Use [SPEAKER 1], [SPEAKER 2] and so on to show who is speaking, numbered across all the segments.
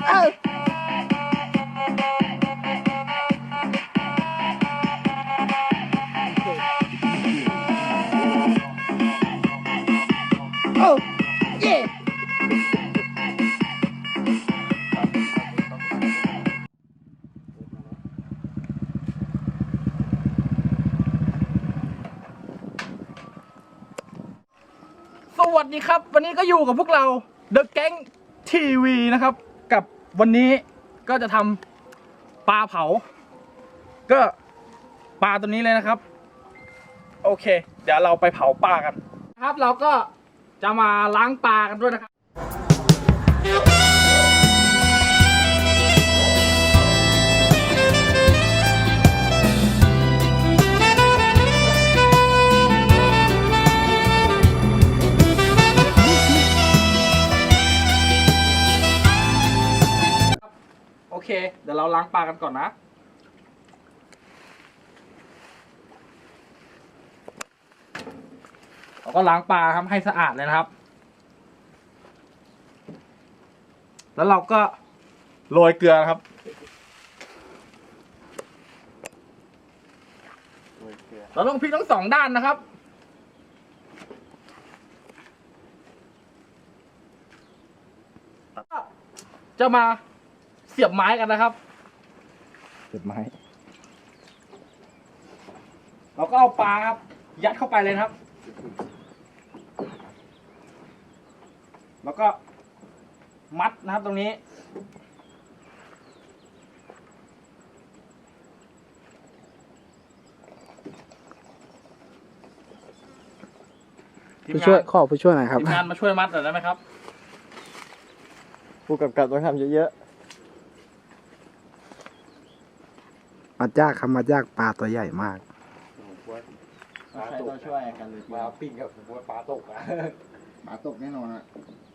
[SPEAKER 1] สวัสดีครับวันนี้ก็อยู่กับพวกเรา The Gang TV นะครับกับวันนี้ก็จะทำปลาเผาก็ปลาตัวนี้เลยนะครับโอเคเดี๋ยวเราไปเผาปลากันครับเราก็จะมาล้างปลากันด้วยนะครับโอเคเดี๋ยวเราล้างปลากันก่อนนะเราก็ล้างปลาครับให้สะอาดเลยนะครับแล้วเราก็โรยเกลือครับเราต้องพลิกทั้งสองด้านนะครับจะมาเสียบไม้กันนะครับเสียบไม้เราก็เอาปลาครับยัดเข้าไปเลยนะครับแล้วก็มัดนะครับตรงนี้
[SPEAKER 2] ผู้ช่วยขอผู้ช่วยหน่อยครับ
[SPEAKER 1] ทีมงานมาช่วยมัดหน่อยได้ไหมครับ
[SPEAKER 3] ผู้กำกับต้องทำเยอะ
[SPEAKER 2] มัดยากครับมัดยากปลาตัวใหญ่มาก
[SPEAKER 3] ๆใครต้องช่วยกันเลยปลาปิ้งกับปลาตกอะปลาตกแน่นอนอะ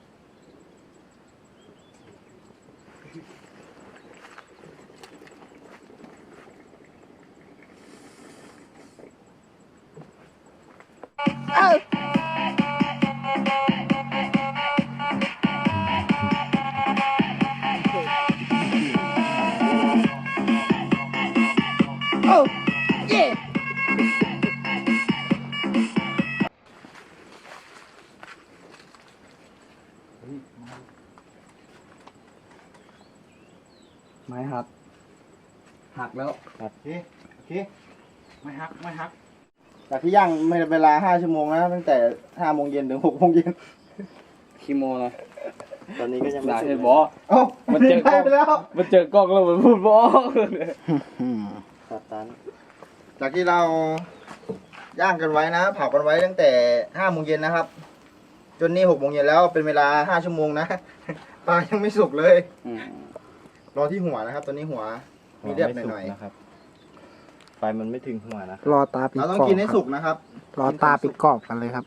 [SPEAKER 3] ไม้หักแล้ว
[SPEAKER 1] โอเคไม่ฮัก
[SPEAKER 3] จากที่ย่างไม่เวลา5 ชั่วโมงนะตั้งแต่5 โมงเย็นถึง6 โมงเย็น
[SPEAKER 1] คีโมนะ
[SPEAKER 3] ตอนนี้ก็ยังไม่
[SPEAKER 1] ด่า
[SPEAKER 3] สุ
[SPEAKER 1] เห็
[SPEAKER 3] ก
[SPEAKER 1] นบอ
[SPEAKER 3] เอ้ามันเจอกล้องไปแล้ว
[SPEAKER 1] มันเจอกล้องแล้วมันพูดบอ
[SPEAKER 3] ตัดตันจากที่เราย่างกันไว้นะเผากันไว้ตั้งแต่5 โมงเย็นนะครับจนนี่6 โมงเย็นแล้วเป็นเวลา5 ชั่วโมงนะปลายังไม่สุกเลยรอที่หัวนะครับ ตอนนี้หัวมีเลือดหน่อยๆ
[SPEAKER 4] นะครับไฟมันไม่ถึงหัวนะ
[SPEAKER 2] รอตาปิด
[SPEAKER 3] เราต้อง
[SPEAKER 2] กรอบ
[SPEAKER 3] กินให้
[SPEAKER 2] ค
[SPEAKER 3] สุ
[SPEAKER 2] รับ
[SPEAKER 3] กนะครับ
[SPEAKER 2] รอตาปิดกรอบกันเลยครับ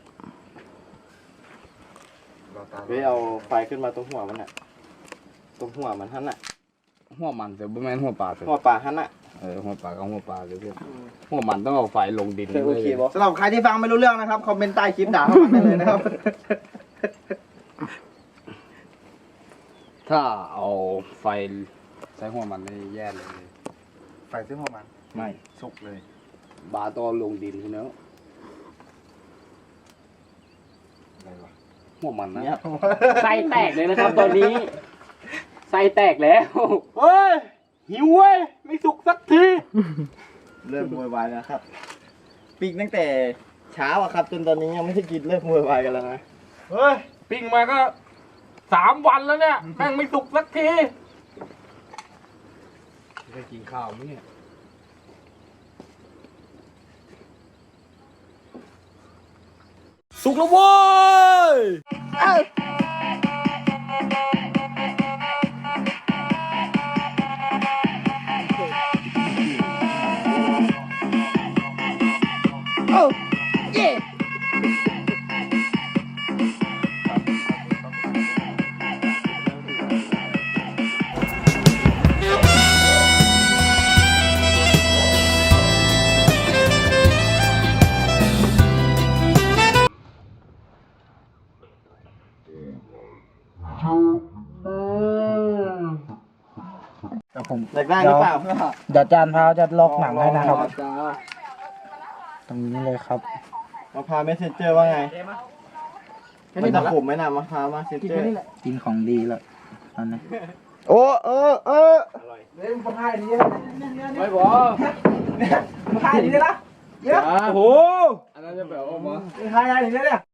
[SPEAKER 4] เว้ยเอาไฟขึ้นมาตรงหัวมันน่ะตรงหัวมันหั่นน่ะ
[SPEAKER 1] หัวมันแต่บ่แม่นหัวปลาเถ
[SPEAKER 4] หัว
[SPEAKER 1] อะ
[SPEAKER 4] ปลาหั่นน่ะ
[SPEAKER 1] หัวปลากับหัวปลาเลยเพื่อนหัวมันต้องเอาไฟลงดิน
[SPEAKER 4] โอเคบ่
[SPEAKER 3] สำหรับใครที่ฟังไม่รู้เรื่องนะครับคอมเมนต์ใต้คลิปด่าเข้ามาได้เลยนะครับ
[SPEAKER 1] ถ้าเอาไฟใส่หัวมันนี่แย่เลย
[SPEAKER 3] ไฟซื้อหัวมัน
[SPEAKER 1] ไม่
[SPEAKER 3] สุกเลย
[SPEAKER 1] บาต้องลงดินคือเนาะหัวมันนะ
[SPEAKER 3] เนี่ย
[SPEAKER 1] ไส้แตกเลยนะครับ ตอนนี้ไส้แตกแล้วเฮ้ยหิวเว้ยไม่สุกสักที
[SPEAKER 3] เริ่มโวยวายแล้วครับปีกตั้งแต่เช้าอะครับ จนตอนนี้ยังไม่ได้กินเริ่มโวยวายกันแล้วนะ
[SPEAKER 1] เฮ้ยปิ้งมาก็3 วันแล้วเนี่ยแม่งไม่สุกสักทีได้กินข้าวมั้ยเนี่ยสุกแล้วเว้ย
[SPEAKER 2] ผม
[SPEAKER 3] อยากได้หรือเปล่า
[SPEAKER 2] เดี๋ยวจานพาวจะลอกหนังให้นะครับ ตรงนี้เลยครับ
[SPEAKER 4] มะพร้าวเมสเซนเจอร์ว่าไง
[SPEAKER 1] แค่
[SPEAKER 4] มัน
[SPEAKER 1] นี้หม
[SPEAKER 4] จะ
[SPEAKER 1] ดละ
[SPEAKER 4] ขมไหมนะมะพร้าวเมสเซน
[SPEAKER 1] กิน
[SPEAKER 4] เจอ
[SPEAKER 1] แค่
[SPEAKER 4] ร์
[SPEAKER 1] นี้แหละ
[SPEAKER 2] กินของดีแล้วอันนี้
[SPEAKER 3] โอ้เออ
[SPEAKER 1] เดี๋ยวมึงให้ดีนะไม่บอกมึงให้ดีนะเยอะ
[SPEAKER 4] โอ้โห
[SPEAKER 1] มึงให้ดีนะเนี่ย